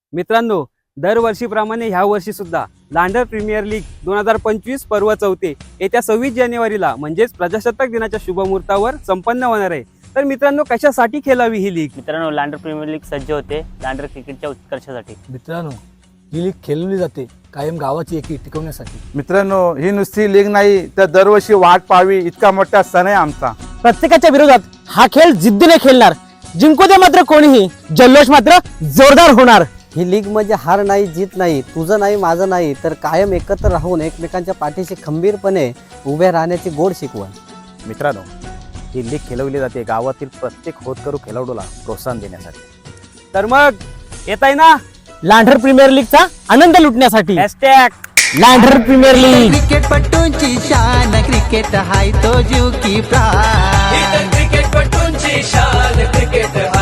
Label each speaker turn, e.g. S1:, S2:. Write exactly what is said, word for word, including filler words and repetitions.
S1: मित्रांनो, दरवर्षीप्रमाणे ह्या वर्षी सुद्धा लांडर प्रीमियर लीग दोन हजार पंचवीस पर्व चौथे येत्या सव्वीस जानेवारीला म्हणजेच प्रजासत्ताक दिनाच्या शुभमुहूर्तावर संपन्न होणार आहे। तर मित्रांनो, कशासाठी खेळावी ही लीग?
S2: मित्रांनो, लांडर प्रीमियर लीग सज्ज होते लांडर क्रिकेटच्या उत्कर्षासाठी।
S3: मित्रांनो, ही लीग खेळवली जाते कायम गावाची एकी टिकवण्यासाठी।
S4: मित्रांनो, ही नुसती लीग नाही तर दरवर्षी वाट पाहावी इतका मोठा सण आहे आमचा।
S5: प्रत्येकाच्या विरोधात हा खेळ जिद्दीने खेळणार, जिंकू दे मात्र कोणीही, जल्लोष मात्र जोरदार होणार।
S6: ही लीग म्हणजे हार नाही, जीत नाही, तुझं नाही, माझं नाही, तर कायम एकत्र राहून एकमेकांच्या पाठीशी खंबीरपणे उभे राहण्याची गोड शिकवण।
S7: मित्रांनो, ही लीग खेळवली जाते गावातील प्रत्येक होतकरू खेळाडूला प्रोत्साहन देण्यासाठी।
S1: तर मग येत आहे ना
S5: लांडर प्रीमियर लीगचा आनंद लुटण्यासाठी
S1: हॅशटॅग
S5: लांडर प्रीमियर लीग।
S8: क्रिकेटपटूंची शान, क्रिकेट हाय तो जीव की प्राण।
S9: क्रिकेटपटूंची शान, क्रिकेट